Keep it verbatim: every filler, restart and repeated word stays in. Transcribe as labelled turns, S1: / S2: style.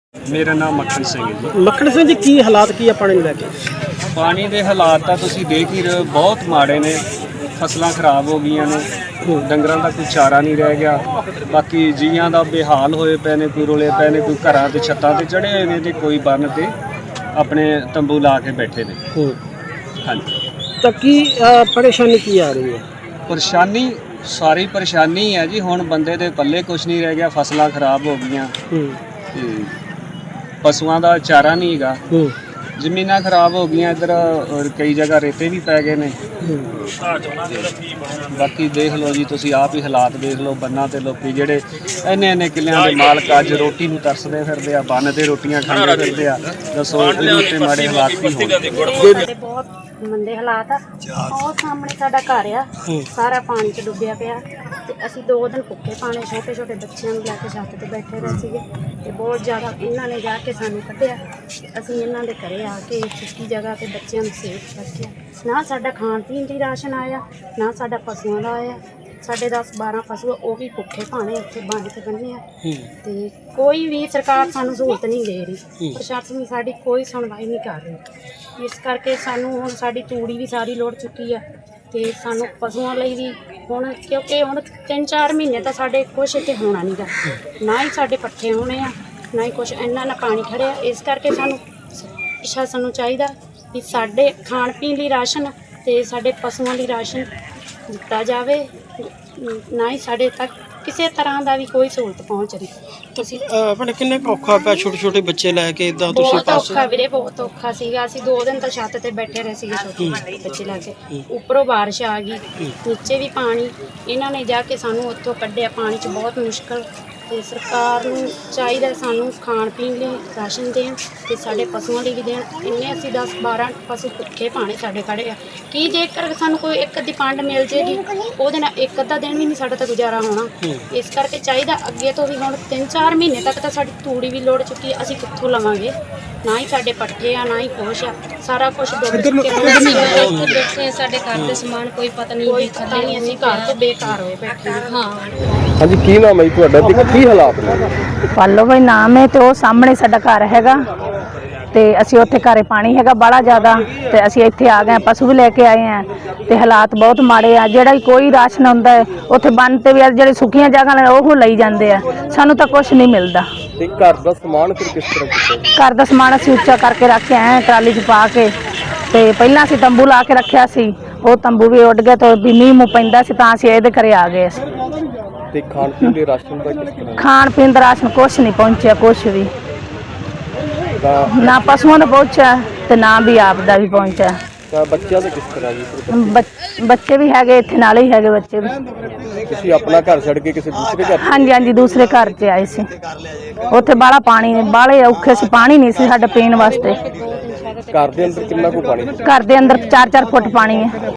S1: मेरा नाम मक्खन सिंह है जी।
S2: मक्खन सिंह जी की हालात की है पानी ਨੂੰ ਲੈ ਕੇ
S1: ਪਾਣੀ ਦੇ ਹਾਲਾਤ ਤਾਂ ਤੁਸੀਂ ਦੇਖ ਹੀ ਰਹੇ ਹੋ, ਬਹੁਤ ਮਾੜੇ ਨੇ। ਫਸਲਾਂ ਖਰਾਬ ਹੋ ਗਈਆਂ ਨੇ, ਡੰਗਰਾਂ ਦਾ ਕੋਈ ਚਾਰਾ ਨਹੀਂ ਰਹਿ ਗਿਆ। ਬਾਕੀ ਜੀਆਂ ਦਾ ਬੇਹਾਲ ਹੋਏ ਪਏ ਨੇ, ਕੋਈ ਰੋਲੇ ਪਏ ਨੇ, ਕੋਈ ਘਰਾਂ ਤੇ ਛੱਤਾਂ ਤੇ ਚੜ੍ਹੇ ਹੋਏ ਨੇ ਤੇ ਕੋਈ ਬੰਨ ਤੇ ਆਪਣੇ ਤੰਬੂ ਲਾ ਕੇ ਬੈਠੇ ਨੇ। ਹਾਂਜੀ,
S2: ਤਾਂ ਕੀ ਅ, ਪਰੇਸ਼ਾਨੀ ਕੀ ਆ ਰਹੀ ਹੈ?
S1: ਪਰੇਸ਼ਾਨੀ ਸਾਰੀ ਪਰੇਸ਼ਾਨੀ ਹੈ ਜੀ। ਹੁਣ ਬੰਦੇ ਦੇ ਪੱਲੇ ਕੁਛ ਨਹੀਂ ਰਹਿ ਗਿਆ, ਫਸਲਾਂ ਖਰਾਬ ਹੋ ਗਈਆਂ ਤੇ ਪਸ਼ੂਆਂ ਦਾ ਚਾਰਾ ਨਹੀਂ ਹੈਗਾ, ਜ਼ਮੀਨਾਂ ਖਰਾਬ ਹੋ ਗਈਆਂ। ਇੱਧਰ ਔਰ ਕਈ ਜਗ੍ਹਾ ਰੇਤੇ ਵੀ ਪੈ ਗਏ ਨੇ। ਬਾਕੀ ਦੇਖ ਲਓ ਜੀ, ਤੁਸੀਂ ਆਪ ਹੀ ਹਾਲਾਤ ਦੇਖ ਲਓ। ਬੰਨਾਂ ਤੇ ਲੋਕੀ ਜਿਹੜੇ ਇੰਨੇ ਇੰਨੇ ਕਿੱਲਿਆਂ ਦੇ ਮਾਲਕ ਅੱਜ ਰੋਟੀ ਨੂੰ ਤਰਸਦੇ ਫਿਰਦੇ ਆ, ਬੰਨ ਤੇ ਰੋਟੀਆਂ ਖਾਂਦੇ ਫਿਰਦੇ ਆ। ਦੱਸੋ ਇਹਦੇ ਉੱਤੇ ਮਾੜੇ ਹਾਲਾਤ ਕੀ ਹੋਣਗੇ?
S3: ਬਹੁਤ ਮੰਦੇ ਹਾਲਾਤ ਆ। ਉਹ ਸਾਹਮਣੇ ਸਾਡਾ ਘਰ ਆ, ਸਾਰਾ ਪਾਣੀ 'ਚ ਡੁੱਬਿਆ ਪਿਆ ਤੇ ਅਸੀਂ ਦੋ ਦਿਨ ਭੁੱਖੇ ਪਾਣੇ, ਛੋਟੇ ਛੋਟੇ ਬੱਚਿਆਂ ਨੂੰ ਲੈ ਕੇ ਛੱਤ ਤੇ ਬੈਠੇ ਰਹੇ ਸੀਗੇ ਤੇ ਬਹੁਤ ਜ਼ਿਆਦਾ ਇਹਨਾਂ ਨੇ ਜਾ ਕੇ ਸਾਨੂੰ ਕੱਢਿਆ। ਅਸੀਂ ਇਹਨਾਂ ਦੇ ਘਰੇ ਆ ਕੇ ਸੁੱਕੀ ਜਗ੍ਹਾ ਤੇ ਬੱਚਿਆਂ ਨੂੰ ਸੇਫ ਰੱਖਿਆ। ਨਾ ਸਾਡਾ ਖਾਣ ਪੀਣ ਦੀ ਰਾਸ਼ਨ ਆਇਆ, ਨਾ ਸਾਡਾ ਪਸ਼ੂਆਂ ਦਾ ਆਇਆ। ਸਾਡੇ ਦਸ ਬਾਰਾਂ ਪਸ਼ੂ ਉਹ ਵੀ ਭੁੱਖੇ ਭਾਣੇ ਉੱਥੇ ਬੰਨ ਕੇ ਬੰਨੇ ਆ ਤੇ ਕੋਈ ਵੀ ਸਰਕਾਰ ਸਾਨੂੰ ਸਹੂਲਤ ਨਹੀਂ ਦੇ ਰਹੀ। ਪ੍ਰਸ਼ਾਸਨ ਸਾਡੀ ਕੋਈ ਸੁਣਵਾਈ ਨਹੀਂ ਕਰ ਰਹੀ। ਇਸ ਕਰਕੇ ਸਾਨੂੰ ਹੁਣ ਸਾਡੀ ਤੂੜੀ ਵੀ ਸਾਰੀ ਲੋੜ ਚੁੱਕੀ ਆ ਤੇ ਸਾਨੂੰ ਪਸ਼ੂਆਂ ਲਈ ਵੀ ਹੁਣ, ਕਿਉਂਕਿ ਹੁਣ ਤਿੰਨ ਚਾਰ ਮਹੀਨੇ ਤਾਂ ਸਾਡੇ ਕੁਛ ਇੱਥੇ ਹੋਣਾ ਨਹੀਂ ਗਾ। ਨਾ ਹੀ ਸਾਡੇ ਪੱਠੇ ਹੋਣੇ ਆ, ਨਾ ਹੀ ਕੁਛ। ਇੰਨਾ ਨਾ ਪਾਣੀ ਖੜਿਆ। ਇਸ ਕਰਕੇ ਸਾਨੂੰ ਪ੍ਰਸ਼ਾਸਨ ਨੂੰ ਚਾਹੀਦਾ ਵੀ ਸਾਡੇ ਖਾਣ ਪੀਣ ਲਈ ਰਾਸ਼ਨ ਤੇ ਸਾਡੇ ਪਸ਼ੂਆਂ ਲਈ ਰਾਸ਼ਨ ਦਿੱਤਾ ਜਾਵੇ। ਨਾ ਹੀ ਸਾਡੇ ਤੱਕ ਕਿਸੇ ਤਰ੍ਹਾਂ ਦਾ ਵੀ ਕੋਈ ਸਹੂਲਤ ਪਹੁੰਚ ਰਹੀ।
S2: ਤੁਸੀਂ ਆਪਣੇ ਕਿੰਨੇ ਕੁ ਔਖਾ ਪਿਆ ਛੋਟੇ ਛੋਟੇ ਬੱਚੇ ਲੈ ਕੇ ਇਦਾਂ ਤੁਸੀਂ
S3: ਬਹੁਤ ਔਖਾ ਵੀਰੇ, ਬਹੁਤ ਔਖਾ ਸੀਗਾ। ਅਸੀਂ ਦੋ ਦਿਨ ਤਾਂ ਛੱਤ ਤੇ ਬੈਠੇ ਰਹੇ ਸੀਗੇ ਛੋਟੇ ਬੱਚੇ ਲੈ ਕੇ। ਉੱਪਰੋਂ ਬਾਰਿਸ਼ ਆ ਗਈ, ਨੀਚੇ ਵੀ ਪਾਣੀ। ਇਹਨਾਂ ਨੇ ਜਾ ਕੇ ਸਾਨੂੰ ਉੱਥੋਂ ਕੱਢਿਆ ਪਾਣੀ 'ਚ ਬਹੁਤ ਮੁਸ਼ਕਲ। ਤੇ ਸਰਕਾਰ ਨੂੰ ਚਾਹੀਦਾ ਸਾਨੂੰ ਖਾਣ ਪੀਣ ਲਈ ਰਾਸ਼ਨ ਦੇਣ ਤੇ ਸਾਡੇ ਪਸ਼ੂਆਂ ਲਈ ਵੀ ਦੇਣ। ਇੰਨੇ ਅਸੀਂ ਦਸ ਬਾਰਾਂ ਪਸ਼ੂ ਭੁੱਖੇ ਭਾਣੇ ਸਾਡੇ ਖੜੇ ਆ। ਕੀ ਜੇਕਰ ਸਾਨੂੰ ਕੋਈ ਇੱਕ ਅੱਧੀ ਪੰਡ ਮਿਲ ਜੇਗੀ, ਉਹਦੇ ਨਾਲ ਇੱਕ ਅੱਧਾ ਦਿਨ ਵੀ ਨਹੀਂ ਸਾਡਾ ਤਾਂ ਗੁਜ਼ਾਰਾ ਹੋਣਾ। ਇਸ ਕਰਕੇ ਚਾਹੀਦਾ ਅੱਗੇ ਤੋਂ ਵੀ। ਹੁਣ ਤਿੰਨ ਚਾਰ ਮਹੀਨੇ ਤੱਕ ਤਾਂ ਸਾਡੀ ਤੂੜੀ ਵੀ ਲੋੜ ਚੁੱਕੀ। ਅਸੀਂ ਕਿੱਥੋਂ ਲਵਾਂਗੇ? ਨਾ ਹੀ ਸਾਡੇ ਪੱਠੇ ਆ, ਨਾ ਹੀ ਕੁਛ ਆ। ਸਾਰਾ ਕੁਛ ਡੁੱਬ ਚੁੱਕਿਆ। ਬੈਠੇ ਸਾਡੇ ਘਰ ਦੇ ਸਮਾਨ ਕੋਈ ਪਤਾ ਨਹੀਂ, ਕੋਈ ਪਤਾ ਨਹੀਂ। ਅਸੀਂ ਘਰ ਤੋਂ ਬੇਕਾਰ ਹੋਏ ਬੈਠੇ ਹਾਂ।
S4: ਹਾਂਜੀ, ਕੀ ਨਾਮ ਹੈ ਜੀ ਤੁਹਾਡਾ ਤੇ ਕੀ ਹਾਲਾਤ ਨੇ?
S5: ਪਾਲੋ ਭਾਈ ਨਾਮ ਹੈ ਤੇ ਉਹ ਸਾਹਮਣੇ ਸਾਡਾ ਘਰ ਹੈਗਾ ਤੇ ਅਸੀਂ ਉੱਥੇ ਘਰੇ ਪਾਣੀ ਹੈਗਾ ਬੜਾ ਜ਼ਿਆਦਾ ਤੇ ਅਸੀਂ ਇੱਥੇ ਆ ਗਏ। ਪਸ਼ੂ ਵੀ ਲੈ ਕੇ ਆਏ ਆ ਤੇ ਹਾਲਾਤ ਬਹੁਤ ਮਾੜੇ ਆ। ਜਿਹੜਾ ਵੀ ਕੋਈ ਰਾਸ਼ਨ ਹੁੰਦਾ ਹੈ ਉੱਥੇ ਬੰਨ ਤੇ ਵੀ ਜਿਹੜੇ ਸੁੱਕੀਆਂ ਜਗ੍ਹਾ ਨੇ ਉਹ ਲਈ ਜਾਂਦੇ ਆ। ਸਾਨੂੰ ਤਾਂ ਕੁਝ ਨਹੀਂ ਮਿਲਦਾ।
S4: ਤੇ ਘਰ ਦਾ ਸਮਾਨ ਫਿਰ ਕਿਸ ਤਰ੍ਹਾਂ ਕੀਤਾ?
S5: ਘਰ ਦਾ ਸਮਾਨ ਅਸੀਂ ਉੱਚਾ ਕਰਕੇ ਰੱਖਿਆ ਹੈ ਟਰਾਲੀ 'ਚ ਪਾ ਕੇ। ਤੇ ਪਹਿਲਾਂ ਅਸੀਂ ਤੰਬੂ ਲਾ ਕੇ ਰੱਖਿਆ ਸੀ, ਉਹ ਤੰਬੂ ਵੀ ਉੱਡ ਗਿਆ ਤੇ ਵੀ ਮੀਂਹ ਮੂੰਹ ਪੈਂਦਾ ਸੀ ਤਾਂ ਅਸੀਂ ਇਹਦੇ ਘਰੇ ਆ ਗਏ ਅਸੀਂ।
S4: ਤੇ ਖਾਣ ਪੀਣ ਦੇ ਰਾਸ਼ਨ ਦਾ ਕਿਸ ਤਰ੍ਹਾਂ?
S5: ਖਾਣ ਪੀਣ ਦਾ ਰਾਸ਼ਨ ਕੁਛ ਨਹੀਂ ਪਹੁੰਚਿਆ, ਕੁਛ ਵੀ
S4: ਤਾਂ
S5: ਨਾ ਪਸ਼ੂਆਂ ਦਾ ਪਹੁੰਚਿਆ ਤੇ ਨਾ ਵੀ ਆਪ ਦਾ ਵੀ ਪਹੁੰਚਿਆ।
S4: ਤਾਂ ਬੱਚਿਆਂ ਦਾ ਕਿਸ ਤਰ੍ਹਾਂ ਜੀ?
S5: ਬੱਚ- ਬੱਚੇ ਵੀ ਹੈਗੇ ਇੱਥੇ, ਨਾਲੇ ਹੀ ਹੈਗੇ ਬੱਚੇ ਵੀ।
S4: ਤੁਸੀਂ ਆਪਣਾ ਘਰ ਛੱਡ ਕੇ ਕਿਸੇ ਦੂਸਰੇ ਘਰ?
S5: ਹਾਂਜੀ ਹਾਂਜੀ, ਦੂਸਰੇ ਘਰ 'ਚ ਆਏ ਸੀ। ਉੱਥੇ ਬਾਹਲਾ ਪਾਣੀ, ਬਾਹਲੇ ਔਖੇ ਸੀ, ਪਾਣੀ ਨਹੀਂ ਸੀ ਸਾਡੇ ਪੀਣ ਵਾਸਤੇ।
S4: ਘਰ ਦੇ ਅੰਦਰ ਕਿੰਨਾ ਕੁ ਪਾਣੀ?
S5: ਘਰ ਦੇ ਅੰਦਰ ਚਾਰ ਚਾਰ ਫੁੱਟ ਪਾਣੀ ਹੈ।